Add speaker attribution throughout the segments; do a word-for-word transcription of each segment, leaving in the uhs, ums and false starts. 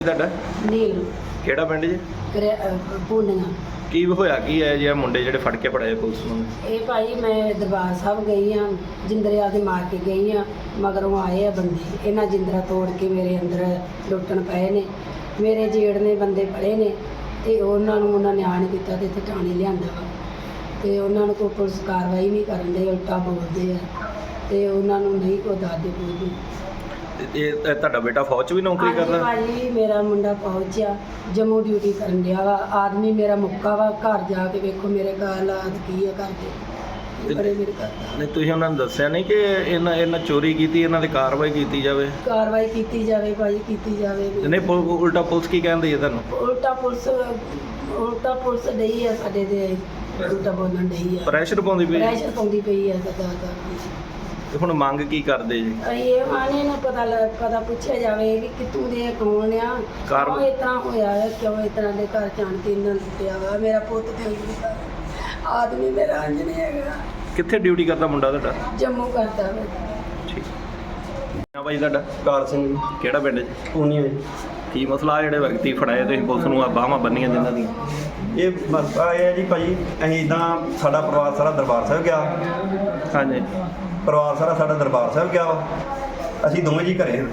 Speaker 1: ਤੁਹਾਡਾ
Speaker 2: ਨੀਲ
Speaker 1: ਕਿਹੜਾ ਪਿੰਡ ਜੀ?
Speaker 2: ਪੂਨੀਆਂ।
Speaker 1: ਕੀ ਹੋਇਆ ਕੀ ਹੈ ਜੇ ਮੁੰਡੇ ਜਿਹੜੇ ਫੜ ਕੇ ਪੜਾਏ ਪੁਲਿਸ ਨੂੰ?
Speaker 2: ਇਹ ਭਾਈ ਮੈਂ ਦਰਬਾਰ ਸਾਹਿਬ ਗਈ ਹਾਂ, ਜਿੰਦਰੇ ਦੇ ਮਾਰ ਕੇ ਗਈ ਹਾਂ, ਮਗਰੋਂ ਆਏ ਆ ਬੰਦੇ, ਇਹਨਾਂ ਜਿੰਦਰਾ ਤੋੜ ਕੇ ਮੇਰੇ ਅੰਦਰ ਲੁੱਟਣ ਪਏ ਨੇ। ਮੇਰੇ ਜੇੜ ਨੇ ਬੰਦੇ ਫੜੇ ਨੇ ਤੇ ਉਹਨਾਂ ਨੂੰ ਉਹਨਾਂ ਨੇ ਆਣ ਕੀਤਾ ਤੇ ਇੱਥੇ ਥਾਣੇ ਲਿਆਂਦਾ ਵਾ ਤੇ ਉਹਨਾਂ ਨੂੰ ਕੋਈ ਪੁਲਿਸ ਕਾਰਵਾਈ ਨਹੀਂ ਕਰਨ ਦੇ, ਉਲਟਾ ਬੋਲਦੇ ਆ ਤੇ ਉਹਨਾਂ ਨੂੰ ਨਹੀਂ ਕੋਈ ਦੱਸਦੇ ਕੋਈ।
Speaker 1: ਇਹ ਤੁਹਾਡਾ ਬੇਟਾ ਫੌਜ 'ਚ ਵੀ ਨੌਕਰੀ ਕਰਦਾ?
Speaker 2: ਭਾਜੀ ਮੇਰਾ ਮੁੰਡਾ ਪਹੁੰਚਿਆ, ਜੰਮੂ ਡਿਊਟੀ ਕਰਨ ਡਿਆ ਵਾ। ਆਦਮੀ ਮੇਰਾ ਮੁੱਕਾ ਵਾ, ਘਰ ਜਾ ਕੇ ਵੇਖੋ ਮੇਰੇ ਘਰ ਹਾਲਾਤ ਕੀ ਆ ਕਰਦੇ ਬੜੇ ਮੇਰੇ ਘਰ।
Speaker 1: ਨਹੀਂ ਤੁਸੀਂ ਉਹਨਾਂ ਨੂੰ ਦੱਸਿਆ ਨਹੀਂ ਕਿ ਇਹਨਾਂ ਇਹਨਾਂ ਚੋਰੀ ਕੀਤੀ, ਇਹਨਾਂ 'ਤੇ ਕਾਰਵਾਈ ਕੀਤੀ ਜਾਵੇ?
Speaker 2: ਕਾਰਵਾਈ ਕੀਤੀ ਜਾਵੇ ਭਾਜੀ, ਕੀਤੀ ਜਾਵੇ।
Speaker 1: ਨਹੀਂ ਉਲਟਾ ਪੁਲਿਸ ਕੀ ਕਹਿੰਦੀ ਹੈ ਤੁਹਾਨੂੰ?
Speaker 2: ਉਲਟਾ ਪੁਲਿਸ ਉਲਟਾ ਪੁਲਿਸ ਡਈ ਆ ਸਾਡੇ ਤੇ, ਉਲਟਾ ਬੋਲਣ ਡਈ ਆ,
Speaker 1: ਪ੍ਰੈਸ਼ਰ ਪਾਉਂਦੀ ਪਈ?
Speaker 2: ਪ੍ਰੈਸ਼ਰ ਪਾਉਂਦੀ ਪਈ ਆ ਸਰਕਾਰ।
Speaker 1: ਤੇ ਹੁਣ ਮੰਗ ਕੀ ਕਰਦੇ ਜੀ?
Speaker 2: ਇਹ ਆਣੇ ਨੂੰ ਪਤਾ ਲੱਗ ਪਤਾ ਪੁੱਛਿਆ ਜਾਵੇ ਵੀ ਕਿੱਥੋਂ ਦੇ ਕੌਣ ਆ, ਕਿਉਂ ਇਸ ਤਰ੍ਹਾਂ ਹੋਇਆ ਹੈ, ਕਿਉਂ ਇਸ ਤਰ੍ਹਾਂ ਦੇ ਘਰ ਜਾਣ ਕੇ ਇਹਨਾਂ ਲੁੱਟਿਆ ਵਾ। ਮੇਰਾ ਪੁੱਤ ਤੇ ਉਹਦਾ ਆਦਮੀ ਮੇਰਾ ਅੰਜ ਨਹੀਂ ਹੈਗਾ।
Speaker 1: ਕਿੱਥੇ ਡਿਊਟੀ ਕਰਦਾ ਮੁੰਡਾ ਤੁਹਾਡਾ?
Speaker 2: ਜੰਮੂ ਕਰਦਾ ਵਾ।
Speaker 1: ਠੀਕ ਹਾਂ ਭਾਈ, ਤੁਹਾਡਾ?
Speaker 3: ਕਾਰ ਸਿੰਘ।
Speaker 1: ਕਿਹੜਾ ਪਿੰਡ ਜੀ?
Speaker 3: ਪੂਨੀਆਂ ਜੀ।
Speaker 1: ਕੀ ਮਸਲਾ ਆ ਜਿਹੜੇ ਵਿਅਕਤੀ ਫੜਾਏ ਤੁਸੀਂ ਪੁਲਿਸ ਨੂੰ ਆ ਬਾਹਾਂ ਬੰਨੀਆਂ ਜਿਨ੍ਹਾਂ ਦੀਆਂ?
Speaker 3: ਇਹ ਮਸਲਾ ਇਹ ਹੈ ਜੀ ਭਾਜੀ, ਅਸੀਂ ਇੱਦਾਂ ਸਾਡਾ ਪਰਿਵਾਰ ਸਾਰਾ ਦਰਬਾਰ ਸਾਹਿਬ ਗਿਆ।
Speaker 1: ਹਾਂਜੀ।
Speaker 3: ਪਰਿਵਾਰ ਸਾਰਾ ਸਾਡਾ ਦਰਬਾਰ ਸਾਹਿਬ ਗਿਆ ਵਾ। ਅਸੀਂ ਦੋਵੇਂ ਜੀ ਘਰੇ ਹਾਂ।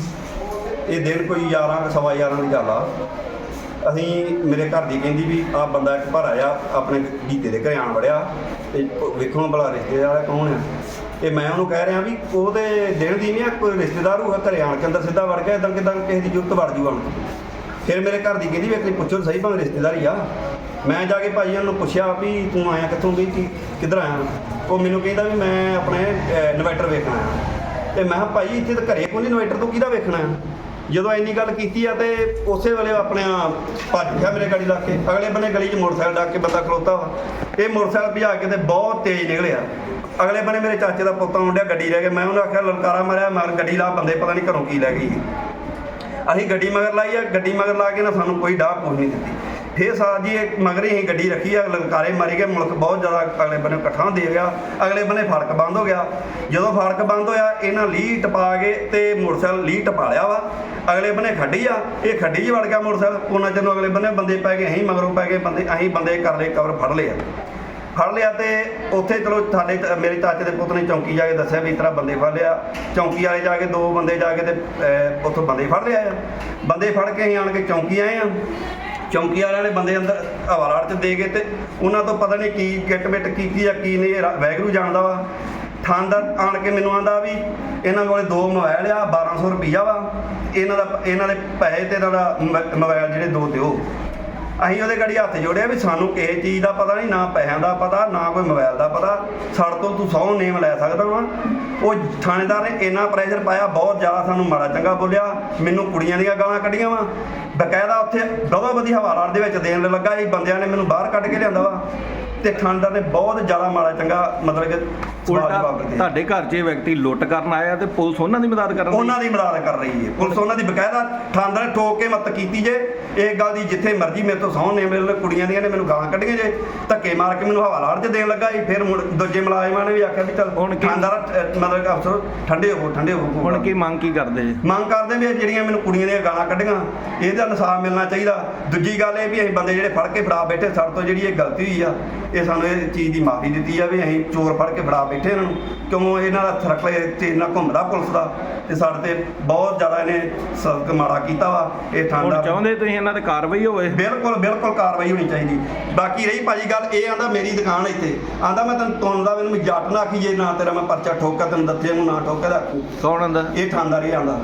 Speaker 3: ਇਹ ਦਿਨ ਕੋਈ ਗਿਆਰਾਂ ਸਵਾ ਗਿਆਰਾਂ ਦੀ ਗੱਲ ਆ। ਅਸੀਂ ਮੇਰੇ ਘਰ ਦੀ ਕਹਿੰਦੀ ਵੀ ਆਹ ਬੰਦਾ ਇੱਕ ਭਰਾ ਆ ਆਪਣੇ ਗੀਤੇ ਦੇ ਘਰੇ ਆਣ ਵੜਿਆ ਤੇ ਵੇਖੋ ਭਲਾ ਰਿਸ਼ਤੇਦਾਰ ਕੌਣ ਆ। ਤੇ ਮੈਂ ਉਹਨੂੰ ਕਹਿ ਰਿਹਾ ਵੀ ਉਹਦੇ ਦਿਨ ਦੀ ਨਹੀਂ ਆ, ਕੋਈ ਰਿਸ਼ਤੇਦਾਰ ਹੋਊਗਾ ਘਰੇ ਆਣ ਕੇ ਅੰਦਰ ਸਿੱਧਾ ਵੜ ਗਿਆ, ਇੱਦਾਂ ਕਿੱਦਾਂ ਕਿਸੇ ਦੀ ਜ਼ਰੂਰਤ ਵੜ ਜੂ ਆਣ ਕੇ। ਫਿਰ ਮੇਰੇ ਘਰ ਦੀ ਕਹਿੰਦੀ ਵੀ ਇੱਕ ਵਾਰੀ ਪੁੱਛੋ ਸਹੀ, ਭਾਵੇਂ ਰਿਸ਼ਤੇਦਾਰ ਹੀ ਆ। ਮੈਂ ਜਾ ਕੇ ਭਾਈ ਉਹਨੂੰ ਪੁੱਛਿਆ ਵੀ ਤੂੰ ਆਇਆ ਕਿੱਥੋਂ, ਵੀ ਕੀ ਕਿੱਧਰ ਆਇਆ? ਉਹ ਮੈਨੂੰ ਕਹਿੰਦਾ ਵੀ ਮੈਂ ਆਪਣੇ ਇਨਵਰਟਰ ਵੇਖਣਾ ਆ। ਤੇ ਮੈਂ ਕਿਹਾ ਭਾਈ ਇੱਥੇ ਤਾਂ ਘਰੇ ਕੋਈ ਨਹੀਂ, ਇਨਵਰਟਰ ਤੂੰ ਕਿਹਦਾ ਵੇਖਣਾ ਆ? ਜਦੋਂ ਇੰਨੀ ਗੱਲ ਕੀਤੀ ਆ ਤੇ ਉਸੇ ਵੇਲੇ ਆਪਣੇ ਭੱਜ ਗਿਆ ਮੇਰੇ ਗਲੀ ਲਾ ਕੇ। ਅਗਲੇ ਬੰਨੇ ਗਲੀ 'ਚ ਮੋਟਰਸਾਈਕਲ ਡੱਕ ਕੇ ਬੰਦਾ ਖਲੋਤਾ ਵਾ। ਇਹ ਮੋਟਰਸਾਈਕਲ ਭਜਾ ਕੇ ਤੇ ਬਹੁਤ ਤੇਜ਼ ਨਿਕਲਿਆ। ਅਗਲੇ ਬੰਨੇ ਮੇਰੇ ਚਾਚੇ ਦਾ ਪੁੱਤ ਆਉਣ ਡਿਆ, ਗੱਡੀ ਲੈ ਕੇ। ਮੈਂ ਉਹਨੂੰ ਆਖਿਆ ਲਲਕਾਰਾ ਮਾਰਿਆ, ਮਗਰ ਗੱਡੀ ਲਾ, ਬੰਦੇ ਪਤਾ ਨਹੀਂ ਘਰੋਂ ਕੀ ਲੈ ਗਈ। ਅਸੀਂ ਗੱਡੀ ਮਗਰ ਲਾਈ ਆ, ਗੱਡੀ ਮਗਰ ਲਾ ਕੇ ਨਾ ਸਾਨੂੰ ਕੋਈ ਡਾਹ ਪੁੱਛ ਨਹੀਂ ਦਿੱਤੀ। ਫਿਰ ਸਾਰਾ ਜੀ ਇਹ ਮਗਰ ਹੀ ਅਸੀਂ ਗੱਡੀ ਰੱਖੀ ਆ, ਲਲਕਾਰੇ ਮਾਰੀ ਗਏ। ਮੁਲਕ ਬਹੁਤ ਜ਼ਿਆਦਾ ਅਗਲੇ ਬੰਨੇ ਇਕੱਠਾ ਦੇ ਗਿਆ। ਅਗਲੇ ਬੰਨੇ ਫੜਕ ਬੰਦ ਹੋ ਗਿਆ। ਜਦੋਂ ਫੜਕ ਬੰਦ ਹੋਇਆ ਇਹਨਾਂ ਲੀਹ ਟਪਾ ਕੇ ਤੇ ਮੋਟਰਸਾਈਕਲ ਲੀਹ ਟਪਾ ਲਿਆ ਵਾ। ਅਗਲੇ ਬੰਨੇ ਖੱਡੀ ਆ, ਇਹ ਖੱਡੀ 'ਚ ਵੜ ਗਿਆ ਮੋਟਰਸਾਈਕਲ। ਉਹਨਾਂ ਚਿਰ ਨੂੰ ਅਗਲੇ ਬੰਨੇ ਬੰਦੇ ਪੈ ਗਏ, ਅਸੀਂ ਮਗਰੋਂ ਪੈ ਗਏ ਬੰਦੇ। ਅਸੀਂ ਬੰਦੇ ਕਰ ਲਏ ਕਵਰ, ਫੜ ਲਿਆ ਫੜ ਲਿਆ ਤੇ ਉੱਥੇ ਚਲੋ ਸਾਡੇ ਮੇਰੇ ਚਾਚੇ ਦੇ ਪੁੱਤ ਨੇ ਚੌਂਕੀ ਜਾ ਕੇ ਦੱਸਿਆ ਵੀ ਇਸ ਤਰ੍ਹਾਂ ਬੰਦੇ ਫੜ ਲਿਆ। ਚੌਂਕੀ ਵਾਲੇ ਜਾ ਕੇ ਦੋ ਬੰਦੇ ਜਾ ਕੇ ਤੇ ਉੱਥੋਂ ਬੰਦੇ ਫੜ ਲਿਆ ਆ। ਬੰਦੇ ਫੜ ਕੇ ਅਸੀਂ ਆਣ ਕੇ ਚੌਂਕੀ ਆਏ ਆ। ਚੌਂਕੀ ਵਾਲਿਆਂ ਨੇ ਬੰਦੇ ਅੰਦਰ ਹਵਾਲਾੜ 'ਚ ਦੇ ਗਏ ਤੇ ਉਹਨਾਂ ਤੋਂ ਪਤਾ ਨਹੀਂ ਕੀ ਕਿੱਟ ਬਿੱਟ ਕੀਤੀ ਆ ਕੀ ਨਹੀਂ, ਵਾਹਿਗੁਰੂ ਜਾਣਦਾ ਵਾ। ਥਾਣੇਦਾਰ ਆਣ ਕੇ ਮੈਨੂੰ ਆਂਦਾ ਵੀ ਇਹਨਾਂ ਕੋਲੇ ਦੋ ਮੋਬਾਈਲ ਆ, ਬਾਰਾਂ ਸੌ ਰੁਪਈਆ ਵਾ, ਇਹਨਾਂ ਦਾ ਇਹਨਾਂ ਦੇ ਪੈਸੇ ਤੇ ਇਹਨਾਂ ਦਾ ਮੋਬਾਈਲ ਜਿਹੜੇ ਦੋ ਦਿਓ। ਅਸੀਂ ਉਹਦੇ ਗਾੜੀ ਹੱਥ ਜੋੜਿਆ ਵੀ ਸਾਨੂੰ ਕਿਸੇ ਚੀਜ਼ ਦਾ ਪਤਾ ਨਹੀਂ, ਨਾ ਪੈਸਿਆਂ ਦਾ ਪਤਾ, ਨਾ ਕੋਈ ਮੋਬਾਈਲ ਦਾ ਪਤਾ। ਸਾਡੇ ਤੋਂ ਤੂੰ ਸੌ ਨੇਮ ਲੈ ਸਕਦਾ ਵਾ। ਉਹ ਥਾਣੇਦਾਰ ਨੇ ਇੰਨਾ ਪ੍ਰੈਸ਼ਰ ਪਾਇਆ, ਬਹੁਤ ਜ਼ਿਆਦਾ ਸਾਨੂੰ ਮਾੜਾ ਚੰਗਾ ਬੋਲਿਆ। ਮੈਨੂੰ ਕੁੜੀਆਂ ਦੀਆਂ ਗਾਲਾਂ ਕੱਢੀਆਂ ਵਾ ਬਕਾਇਦਾ। ਉੱਥੇ ਬਹੁਤ ਵਧੀਆ ਹਵਾਲਾਤ ਦੇ ਵਿੱਚ ਦੇਣ ਲੱਗਾ ਜੀ। ਬੰਦਿਆਂ ਨੇ ਮੈਨੂੰ ਬਾਹਰ ਕੱਢ ਕੇ ਲਿਆਂਦਾ ਵਾ ਤੇ ਥਾਣੇਦਾਰ ਨੇ ਬਹੁਤ ਜ਼ਿਆਦਾ ਮਾੜਾ ਚੰਗਾ ਮਤਲਬ ਕਿ
Speaker 1: ਉਲਟਾ ਤੁਹਾਡੇ ਘਰ 'ਚ ਇਹ ਵਿਅਕਤੀ ਲੁੱਟ ਕਰਨ ਆਇਆ ਤੇ ਪੁਲਿਸ ਉਹਨਾਂ ਦੀ ਮਦਦ ਕਰਨ
Speaker 3: ਉਹਨਾਂ ਦੀ ਮਦਦ ਕਰ ਰਹੀ ਹੈ। ਪੁਲਿਸ ਉਹਨਾਂ ਦੀ ਬਕਾਇਦਾ ਥਾਣੇਦਾਰ ਨੇ ਠੋਕ ਕੇ ਮਦਦ ਕੀਤੀ ਜੇ। ਇਹ ਗੱਲ ਦੀ ਜਿੱਥੇ ਮਰਜ਼ੀ ਮੇਰੇ ਤੋਂ ਸਹੁੰ ਨੇ, ਮੇਰੇ ਕੁੜੀਆਂ ਦੀਆਂ ਨੇ ਮੈਨੂੰ ਗਾਲਾਂ ਕੱਢੀਆਂ ਜੇ, ਧੱਕੇ ਮਾਰ ਕੇ ਮੈਨੂੰ ਹਵਾਲਾਤ 'ਚ ਦੇਣ ਲੱਗਾ ਜੀ। ਫਿਰ ਦੂਜੇ ਮੁਲਾਜ਼ਮਾਂ ਨੇ ਵੀ ਆਖਿਆ ਵੀ ਚੱਲ ਥਾਣੇਦਾਰ ਮਤਲਬ ਕਿ ਅਫਸਰ ਠੰਡੇ ਹੋਵੋ ਠੰਡੇ ਹੋਵੋ।
Speaker 1: ਹੁਣ ਕੀ ਮੰਗ ਕੀ ਕਰਦੇ ਜੀ?
Speaker 3: ਮੰਗ ਕਰਦੇ ਵੀ ਜਿਹੜੀਆਂ ਮੈਨੂੰ ਕੁੜੀਆਂ ਦੀਆਂ ਗਾਲਾਂ ਕੱਢੀਆਂ ਇਹਦਾ ਇਨਸਾਫ ਮਿਲਣਾ ਚਾਹੀਦਾ। ਦੂਜੀ ਗੱਲ ਇਹ ਵੀ ਅਸੀਂ ਬੰਦੇ ਜਿਹੜੇ ਫੜ ਕੇ ਫੜਾ ਬੈਠੇ, ਸਾਡੇ ਤੋਂ ਜਿਹੜੀ ਇਹ ਗਲਤੀ ਹੋਈ ਆ, ਇਹ ਸਾਨੂੰ ਇਹ ਚੀਜ਼ ਦੀ ਮਾਫੀ ਦਿੱਤੀ ਜਾਵੇ। ਅਸੀਂ ਚੋਰ ਫੜ ਕੇ ਫੜਾ ਬੈਠੇ ਇਹਨਾਂ ਨੂੰ, ਕਿਉਂ ਇਹਨਾਂ ਦਾ ਸਰਕਲੇ ਤੇ ਇਹਨਾਂ ਘੁੰਮਦਾ ਪੁਲਿਸ ਦਾ ਤੇ ਸਾਡੇ ਤੇ ਬਹੁਤ ਜ਼ਿਆਦਾ ਇਹਨੇ ਸਖਤ ਮਾੜਾ ਕੀਤਾ ਵਾ। ਇਹ ਥਾਣੇਦਾਰ
Speaker 1: ਚਾਹੁੰਦੇ ਤੁਸੀਂ ਇਹਨਾਂ ਤੇ ਕਾਰਵਾਈ ਹੋਵੇ?
Speaker 3: ਬਿਲਕੁਲ ਬਿਲਕੁਲ ਕਾਰਵਾਈ ਹੋਣੀ ਚਾਹੀਦੀ। ਬਾਕੀ ਰਹੀ ਭਾਜੀ ਗੱਲ, ਇਹ ਆਂਦਾ ਮੇਰੀ ਦੁਕਾਨ ਇੱਥੇ ਆਂਦਾ ਮੈਂ ਤੈਨੂੰ ਤੁੰਦਾ ਮੈਨੂੰ ਜੱਟ ਨਾ ਆਖੀ ਜੇ ਨਾ ਤੇਰਾ ਮੈਂ ਪਰਚਾ ਠੋਕਾ ਤੈਨੂੰ ਦੱਸੇ ਨੂੰ ਨਾ ਠੋਕਾ ਦਾ।
Speaker 1: ਕੌਣ ਆਂਦਾ?
Speaker 3: ਇਹ ਥਾਣੇਦਾਰ ਹੀ ਆਂਦਾ।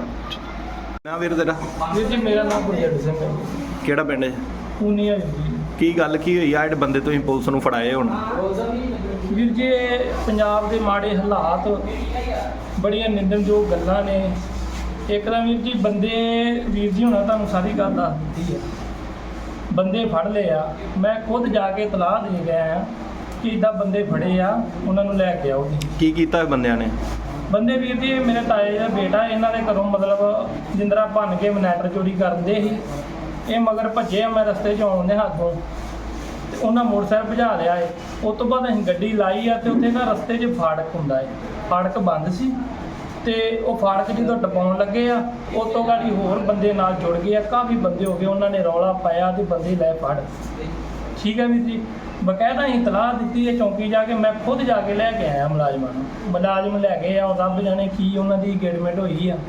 Speaker 1: ਨਾ ਵੀਰ ਤੇਰਾ?
Speaker 4: ਵੀਰ ਜੀ ਮੇਰਾ ਨਾਮ ਗੁਰਜੰਟ ਸਿੰਘ ਹੈ।
Speaker 1: ਕਿਹੜਾ ਪਿੰਡ ਹੈ?
Speaker 4: ਪੂਨੀਆਂ ਜੀ।
Speaker 1: ਕੀ ਗੱਲ ਕੀ ਹੋਈ ਆ ਜਿਹੜੇ ਬੰਦੇ ਤੁਸੀਂ ਪੁਲਿਸ ਨੂੰ ਫੜਾਏ ਹੁਣ?
Speaker 4: ਵੀਰ ਜੀ ਪੰਜਾਬ ਦੇ ਮਾੜੇ ਹਾਲਾਤ, ਬੜੀਆਂ ਨਿੰਦਣਯੋਗ ਗੱਲਾਂ ਨੇ। ਇੱਕ ਤਾਂ ਵੀਰ ਜੀ ਬੰਦੇ ਵੀਰ ਜੀ ਹੁਣਾਂ ਤੁਹਾਨੂੰ ਸਾਰੀ ਗੱਲ ਦੱਸ ਦਿੱਤੀ ਹੈ। ਬੰਦੇ ਫੜ ਲਏ ਆ, ਮੈਂ ਖੁਦ ਜਾ ਕੇ ਇਤਲਾਹ ਦੇ ਗਿਆ ਆ ਕਿ ਇੱਦਾਂ ਬੰਦੇ ਫੜੇ ਆ, ਉਹਨਾਂ ਨੂੰ ਲੈ ਕੇ ਆਓ ਜੀ।
Speaker 1: ਕੀ ਕੀਤਾ ਬੰਦਿਆਂ ਨੇ?
Speaker 4: ਬੰਦੇ ਵੀਰ ਜੀ ਮੇਰੇ ਤਾਏ ਦਾ ਬੇਟਾ, ਇਹਨਾਂ ਦੇ ਘਰੋਂ ਮਤਲਬ ਜਿੰਦਰਾ ਭੰਨ ਕੇ ਮਨੈਟਰ ਚੋਰੀ ਕਰਦੇ ਸੀ। ਇਹ ਮਗਰ ਭੱਜੇ ਆ, ਮੈਂ ਰਸਤੇ 'ਚ ਆਉਣ ਦੇ ਹੱਥੋਂ ਤੇ ਉਹਨਾਂ ਮੋਟਰਸਾਈਕਲ ਭਜਾ ਲਿਆ ਏ। ਉਸ ਤੋਂ ਬਾਅਦ ਅਸੀਂ ਗੱਡੀ ਲਾਈ ਆ ਤੇ ਉੱਥੇ ਨਾ ਰਸਤੇ 'ਚ ਫਾਟਕ ਹੁੰਦਾ ਏ, ਫਾਟਕ ਬੰਦ ਸੀ ਤੇ ਉਹ ਫਾੜਕ ਜਦੋਂ ਟਪਾਉਣ ਲੱਗੇ ਆ ਉਸ ਤੋਂ ਗਾੜੀ ਹੋਰ ਬੰਦੇ ਨਾਲ ਜੁੜ ਗਏ ਆ, ਕਾਫੀ ਬੰਦੇ ਹੋ ਗਏ, ਉਹਨਾਂ ਨੇ ਰੌਲਾ ਪਾਇਆ ਤੇ ਬੰਦੇ ਲੈ ਫੜ। ਠੀਕ ਹੈ ਵੀਰ ਜੀ, ਬਕਾਇਦਾ ਅਸੀਂ ਇਤਲਾਹ ਦਿੱਤੀ ਹੈ ਚੌਂਕੀ ਜਾ ਕੇ, ਮੈਂ ਖੁਦ ਜਾ ਕੇ ਲੈ ਕੇ ਆਇਆ ਮੁਲਾਜ਼ਮਾਂ ਨੂੰ, ਮੁਲਾਜ਼ਮ ਲੈ ਗਏ ਆ, ਉਹ ਰੱਬ ਜਾਣੇ ਕੀ ਉਹਨਾਂ ਦੀ ਇੰਗੇਜਮੈਂਟ ਹੋਈ ਆ।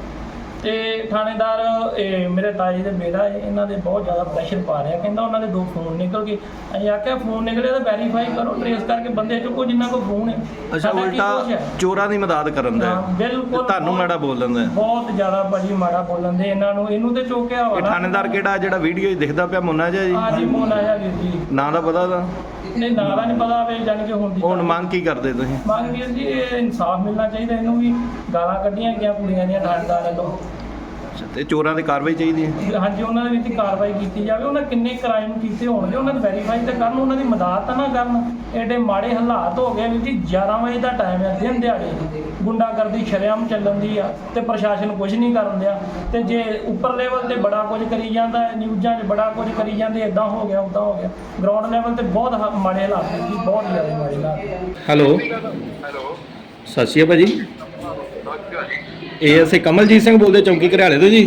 Speaker 4: ਤੇ ਥਾਣੇਦਾਰ ਇਹ ਮੇਰੇ ਤਾਏ ਦੇ ਬੇਟਾ ਹੈ, ਇਹਨਾਂ ਦੇ ਬਹੁਤ ਜ਼ਿਆਦਾ ਪ੍ਰੈਸ਼ਰ ਪਾ ਰਿਹਾ, ਕਹਿੰਦਾ ਉਹਨਾਂ ਦੇ ਦੋ ਫੋਨ ਨਿਕਲ ਗਏ। ਅਸੀਂ ਆਖਿਆ ਫੋਨ ਨਿਕਲੇ ਤਾਂ ਵੈਰੀਫਾਈ ਕਰੋ, ਟ੍ਰੇਸ ਕਰਕੇ ਬੰਦੇ ਚੁੱਕੋ ਜਿਨ੍ਹਾਂ ਕੋਲ ਫੋਨ ਹੈ।
Speaker 1: ਅੱਛਾ,
Speaker 4: ਸਾਡਾ ਕੀ
Speaker 1: ਉਲਟਾ
Speaker 4: ਦੋਸ਼ ਹੈ?
Speaker 1: ਚੋਰਾਂ ਦੀ ਮਦਦ ਕਰਨ ਦਾ
Speaker 4: ਹਾਂ,
Speaker 1: ਹੈ।
Speaker 4: ਬਿਲਕੁਲ
Speaker 1: ਤੇ ਤੁਹਾਨੂੰ ਮਾੜਾ ਬੋਲਣ ਦਾ ਹੈ।
Speaker 4: ਬਹੁਤ ਜ਼ਿਆਦਾ ਭਾਜੀ ਮਾੜਾ ਬੋਲਣ ਦੇ ਇਹਨਾਂ ਨੂੰ, ਇਹਨੂੰ ਤੇ ਚੋਕਿਆ
Speaker 1: ਇਹ
Speaker 4: ਵਾ
Speaker 1: ਥਾਣੇਦਾਰ ਕਿਹੜਾ ਜਿਹੜਾ ਵੀਡੀਓ 'ਚ ਦਿਖਦਾ ਪਿਆ ਮੁੰਨਾ ਜਿਹਾ ਜੀ?
Speaker 4: ਹਾਂਜੀ ਮੋਨ ਆਇਆ ਵੀਰ ਜੀ,
Speaker 1: ਨਾਂ ਦਾ ਪਤਾ ਉਹਦਾ?
Speaker 4: ਨਹੀਂ ਨਾਲਾ ਨਹੀਂ ਪਤਾ ਵੇ, ਜਾਣ ਕੇ ਹੁਣ ਦੀ
Speaker 1: ਹੁਣ ਮੰਗ ਕੀ ਕਰਦੇ ਤੁਸੀਂ?
Speaker 4: ਮੰਗ ਵੀਰ ਜੀ ਇਹ ਇਨਸਾਫ ਮਿਲਣਾ ਚਾਹੀਦਾ, ਇਹਨੂੰ ਵੀ ਗਾਲਾਂ ਕੱਢੀਆਂ ਗਈਆਂ ਕੁੜੀਆਂ ਦੀਆਂ ਥਾਣੇਦਾਰ ਵੱਲੋਂ।
Speaker 1: ਤੇ ਚੋਰਾਂ ਦੀ ਕਾਰਵਾਈ ਚਾਹੀਦੀ ਹੈ।
Speaker 4: ਹਾਂਜੀ ਉਹਨਾਂ ਦੇ ਵਿੱਚ ਕਾਰਵਾਈ ਕੀਤੀ ਜਾਵੇ, ਉਹਨਾਂ ਕਿੰਨੇ ਕ੍ਰਾਈਮ ਕੀਤੇ ਹੋਣਗੇ ਉਹਨਾਂ ਦੀ ਵੈਰੀਫਾਈ ਤਾਂ ਕਰਨ, ਉਹਨਾਂ ਦੀ ਮਦਦ ਤਾਂ ਨਾ ਕਰਨ। ਐਡੇ ਮਾੜੇ ਹਾਲਾਤ ਹੋ ਗਏ ਵੀਰ ਜੀ, ਗਿਆਰਾਂ ਵਜੇ ਦਾ ਟਾਈਮ ਹੈ, ਦਿਨ ਦਿਹਾੜੇ ਗੁੰਡਾਗਰਦੀ ਸ਼ਰੇਆਮ ਚੱਲਣ ਦੀ ਆ ਤੇ ਪ੍ਰਸ਼ਾਸਨ ਕੁਝ ਨਹੀਂ ਕਰਨ ਦਿਆ। ਤੇ ਜੇ ਉੱਪਰ ਲੈਵਲ ਤੇ ਬੜਾ ਕੁਝ ਕਰੀ ਜਾਂਦਾ ਹੈ, ਨਿਊਜ਼ਾਂ 'ਚ ਬੜਾ ਕੁਝ ਕਰੀ ਜਾਂਦੇ, ਇਦਾਂ ਹੋ ਗਿਆ ਉੱਦਾਂ ਹੋ ਗਿਆ, ਗਰਾਊਂਡ ਲੈਵਲ ਤੇ ਬਹੁਤ ਹ- ਮਾੜੇ ਹਾਲਾਤ ਨੇ ਜੀ, ਬਹੁਤ ਜ਼ਿਆਦਾ ਮਾੜੇ ਹਾਲਾਤ।
Speaker 1: ਹੈਲੋ,
Speaker 5: ਹੈਲੋ,
Speaker 1: ਸਤਿ ਸ਼੍ਰੀ ਅਕਾਲ ਭਾਜੀ।
Speaker 5: ਹਾਂਜੀ
Speaker 1: A S A Kamaljit Singh ਬੋਲਦੇ ਚੌਂਕੀ ਘਰਿਆਲੇ ਤੋਂ ਜੀ।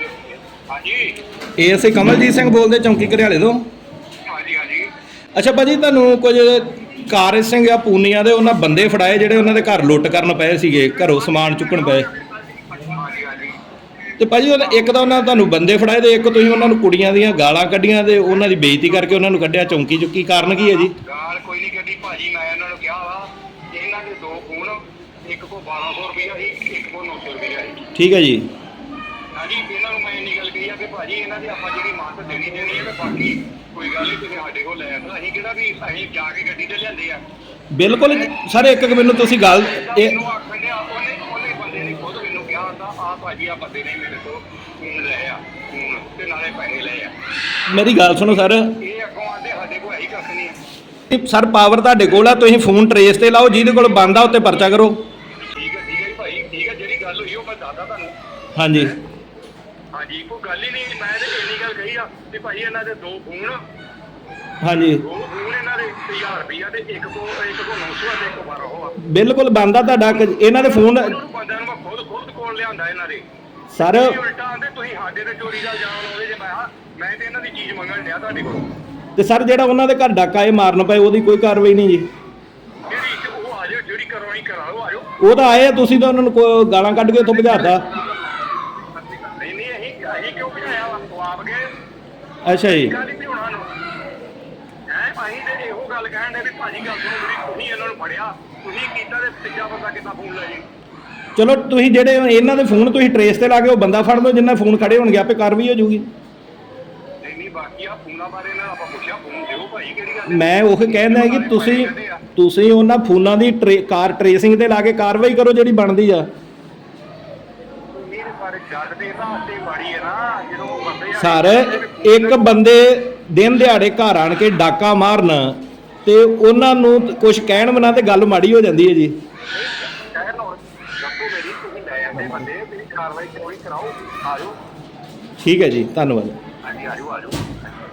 Speaker 5: ਹਾਂਜੀ
Speaker 1: A S A Kamaljit Singh ਬੋਲਦੇ ਚੌਂਕੀ ਘਰਿਆਲੇ ਤੋਂ।
Speaker 5: ਹਾਂਜੀ ਹਾਂਜੀ
Speaker 1: ਅੱਛਾ ਭਾਜੀ, ਤੁਹਾਨੂੰ ਕੁਝ ਕਾਰ ਸਿੰਘ ਜਾਂ ਪੂਨੀਆਂ ਦੇ ਉਹਨਾਂ ਬੰਦੇ ਫੜਾਏ ਜਿਹੜੇ ਉਹਨਾਂ ਦੇ ਘਰ ਲੁੱਟ ਕਰਨ ਪਏ ਸੀਗੇ, ਘਰੋਂ ਸਮਾਨ ਚੁੱਕਣ ਪਏ।
Speaker 5: ਹਾਂਜੀ ਹਾਂਜੀ
Speaker 1: ਤੇ ਭਾਜੀ ਉਹ ਇੱਕ ਤਾਂ ਉਹਨਾਂ ਤੁਹਾਨੂੰ ਬੰਦੇ ਫੜਾਏ ਤੇ ਇੱਕ ਤੁਸੀਂ ਉਹਨਾਂ ਨੂੰ ਕੁੜੀਆਂ ਦੀਆਂ ਗਾਲਾਂ ਕੱਢੀਆਂ ਤੇ ਉਹਨਾਂ ਦੀ ਬੇਇੱਜ਼ਤੀ ਕਰਕੇ ਉਹਨਾਂ ਨੂੰ ਕੱਢਿਆ ਚੌਂਕੀ ਚੁੱਕੀ, ਕਾਰਨ ਕੀ ਹੈ ਜੀ?
Speaker 5: ਗਾਲ ਕੋਈ ਨਹੀਂ ਕੱਢੀ ਭਾਜੀ, ਮੈਂ ਇਹਨਾਂ ਨੂੰ ਕਿਹਾ ਵਾ ਕਿ ਇਹਨਾਂ ਦੇ ਦੋ ਫੋਨ, ਇੱਕ ਕੋ ਬਾਰਾਂ ਸੌ ਰੁਪਇਆ ਸੀ, ਇੱਕ ਕੋ ਨੌ ਸੌ ਰੁਪਇਆ ਸੀ।
Speaker 1: ਠੀਕ ਹੈ ਜੀ।
Speaker 5: ਹਾਂਜੀ, ਇਹਨਾਂ ਨੂੰ ਮੈਂ ਇੰਨੀ ਗੱਲ ਕਹੀ ਆ ਕਿ ਭਾਜੀ ਇਹਨਾਂ ਦੀ ਆਪਾਂ ਜਿਹੜੀ ਮਾਤ ਦੇਣੀ ਦੇਣੀ ਹੈ ਤੇ ਬਾਕੀ ਕੋਈ ਗੱਲ ਨਹੀਂ, ਤੁਸੀਂ ਸਾਡੇ ਕੋਲ ਲੈ ਆਓ। ਅਸੀਂ ਕਿਹੜਾ ਵੀ ਅਸੀਂ ਜਾ ਕੇ ਗੱਡੀ ਤੇ ਲਿਆਂਦੇ ਆ।
Speaker 1: ਬਿਲਕੁਲ ਸਰ, ਇੱਕ ਇੱਕ ਮੈਨੂੰ ਤੁਸੀਂ ਗੱਲ ਇਹ
Speaker 5: ਇਹਨੂੰ ਆਖਣ ਡਿਆ, ਉਹਨੇ ਉਹਨੇ ਬੰਦੇ ਨੇ ਖੁਦ ਮੈਨੂੰ ਕਿਹਾ ਹੁੰਦਾ ਆ ਭਾਜੀ ਆ ਬੰਦੇ ਨੇ ਮੇਰੇ ਤੋਂ ਫੋਨ ਲਏ ਆ, ਫੋਨ ਤੇ ਨਾਲੇ ਪੈਸੇ ਲਏ ਆ।
Speaker 1: ਮੇਰੀ ਗੱਲ ਸੁਣੋ ਸਰ।
Speaker 5: ਇਹ ਅੱਗੋਂ ਆਂਦੇ ਸਾਡੇ ਕੋਲ ਹੈ ਹੀ ਕੱਖ ਨਹੀਂ ਆ।
Speaker 1: ਸਰ ਪਾਵਰ ਤੁਹਾਡੇ ਕੋਲ ਆ, ਤੁਸੀਂ ਫੋਨ ਟਰੇਸ ਤੇ ਲਾਓ, ਜਿਹਦੇ ਕੋਲ ਬੰਦ ਆ ਉੱਤੇ ਪਰਚਾ ਕਰੋ।
Speaker 5: ਠੀਕ ਹੈ ਠੀਕ ਹੈ ਜੀ ਭਾਈ, ਠੀਕ ਹੈ, ਜਿਹੜੀ ਗੱਲ ਹੋਈ ਉਹ ਮੈਂ ਦੱਸਦਾ ਤੁਹਾਨੂੰ।
Speaker 1: ਹਾਂਜੀ
Speaker 5: ਹਾਂਜੀ, ਕੋਈ ਗੱਲ ਹੀ ਨਹੀਂ, ਮੈਂ ਤੇ ਇੰਨੀ ਗੱਲ ਕਹੀ ਆ ਕਿ ਭਾਈ ਇਹਨਾਂ ਦੇ ਦੋ ਫੋਨ,
Speaker 1: ਹਾਂਜੀ
Speaker 5: ਦੋ ਫੋਨ ਇਹਨਾਂ ਦੇ ਹਜ਼ਾਰ ਰੁਪਈਆ ਤੇ ਇੱਕ ਕੋ ਇੱਕ ਕੋ ਨੌ ਸੌ ਆ ਤੇ ਇੱਕ ਬਾਰਾਂ ਸੌ ਆ।
Speaker 1: ਬਿਲਕੁਲ ਬੰਦ ਆ ਤੁਹਾਡਾ, ਇਹਨਾਂ ਦੇ ਫੋਨ
Speaker 5: ਉਹਨਾਂ ਨੂੰ ਬੰਦਿਆਂ ਨੂੰ ਮੈਂ ਖੁਦ ਖੁਦ ਕੋਲ ਲਿਆਂਦਾ ਇਹਨਾਂ ਦੇ।
Speaker 1: ਸਰ
Speaker 5: ਤੁਸੀਂ ਉਲਟਾ ਆਂਦੇ ਤੁਸੀਂ ਸਾਡੇ ਤੇ ਚੋਰੀ ਦਾ ਇਲਜ਼ਾਮ ਲਾਉਂਦੇ ਜੇ। ਮੈਂ ਕਿਹਾ ਮੈਂ ਤੇ ਇਹਨਾਂ ਦੀ ਚੀਜ਼ ਮੰਗਣ ਡਿਆ ਤੁਹਾਡੇ ਕੋਲ।
Speaker 1: ਤੇ ਸਰ ਜਿਹੜਾ ਉਹਨਾਂ ਦੇ ਘਰ ਡਾਕਾ ਇਹ ਮਾਰਨ ਪਏ ਉਹਦੀ ਕੋਈ ਕਾਰਵਾਈ ਨਹੀਂ ਜੀ?
Speaker 5: ਜਿਹੜੀ ਇੱਕ ਉਹ ਆ ਜਾਓ, ਜਿਹੜੀ ਕਰਵਾਉਣੀ ਕਰਾਓ, ਆ ਜਾਓ।
Speaker 1: ਉਹ ਤਾਂ ਆਏ ਆ, ਤੁਸੀਂ ਤਾਂ ਉਹਨਾਂ ਨੂੰ ਕੋ- ਗਾਲਾਂ ਕੱਢ ਕੇ ਉੱਥੋਂ ਭਜਾਤਾ।
Speaker 5: ਨਹੀਂ ਨਹੀਂ, ਅਸੀਂ ਅਸੀਂ ਕਿਉਂ ਭਜਾਇਆ ਵਾ? ਉਹ ਆਪ ਗਏ।
Speaker 1: ਅੱਛਾ ਜੀ।
Speaker 5: ਗੱਲ ਹੀ ਭਜਾਉਣਾ ਨੂੰ ਹੈ। ਅਸੀਂ ਤੇ ਇਹੋ ਗੱਲ ਕਹਿਣ ਦੇ ਵੀ ਭਾਜੀ ਗੱਲ ਸੁਣੋ, ਜਿਹੜੀ ਤੁਸੀਂ ਇਹਨਾਂ ਨੂੰ ਫੜਿਆ, ਤੁਸੀਂ ਕੀਤਾ ਤੇ ਤੀਜਾ ਬੰਦਾ ਕਿੱਦਾਂ ਫੋਨ ਲੈ ਜੇ?
Speaker 1: ਚਲੋ ਤੁਸੀਂ ਜਿਹੜੇ ਇਹਨਾਂ ਦੇ ਫੋਨ ਤੁਸੀਂ ਟਰੇਸ ਤੇ ਲਾ ਕੇ ਉਹ ਬੰਦਾ ਫੜ ਲਓ, ਜਿੰਨਾ ਫੋਨ ਖੜੇ ਹੋਣਗੇ ਆਪੇ ਕਾਰਵਾਈ ਹੋ ਜਾਊਗੀ।
Speaker 5: ਨਹੀਂ ਨਹੀਂ, ਬਾਕੀ ਆ ਫੋਨਾਂ ਬਾਰੇ ਨਾ ਆਪਾਂ ਪੁੱਛਿਆ, ਫੋਨ ਦਿਓ ਭਾਈ, ਕਿਹੜੀ ਗੱਲ ਹੈ?
Speaker 1: ਮੈਂ ਉਹ ਕਹਿੰਦਾ ਕਿ ਤੁਸੀਂ ਤੁਸੀਂ ਉਹਨਾਂ ਫੋਨਾਂ ਦੀ ਟਰੇ- ਕਾਰ ਟਰੇਸਿੰਗ ਤੇ ਲਾ ਕੇ ਕਾਰਵਾਈ ਕਰੋ ਜਿਹੜੀ ਬਣਦੀ ਆ।
Speaker 5: ਮੇਰੇ ਬਾਰੇ ਜੱਜ ਦੇ ਹਿਸਾਬ ਤੇ ਮਾੜੀ ਹੈ ਨਾ, ਜਦੋਂ ਬੰਦੇ ਆ-
Speaker 1: ਸਰ ਇੱਕ ਬੰਦੇ ਦਿਨ ਦਿਹਾੜੇ ਘਰ ਆਣ ਕੇ ਡਾਕਾ ਮਾਰਨ ਤੇ ਉਹਨਾਂ ਨੂੰ ਕੁਝ ਕਹਿਣ ਬਿਨਾਂ ਤੇ ਗੱਲ ਮਾੜੀ ਹੋ ਜਾਂਦੀ ਹੈ ਜੀ।
Speaker 5: ਕਹਿਣ ਹੁਣ ਦੱਸੋ ਮੇਰੀ, ਤੁਸੀਂ ਲੈ ਜਾਂਦੇ ਬੰਦੇ, ਮੇਰੀ ਕਾਰਵਾਈ ਕੋਈ ਕਰਾਓ, ਆ ਜਾਓ।
Speaker 1: ਠੀਕ ਹੈ ਜੀ, ਧੰਨਵਾਦ।
Speaker 5: ਹਾਂਜੀ ਆ ਜਾਓ ਆ ਜਾਓ।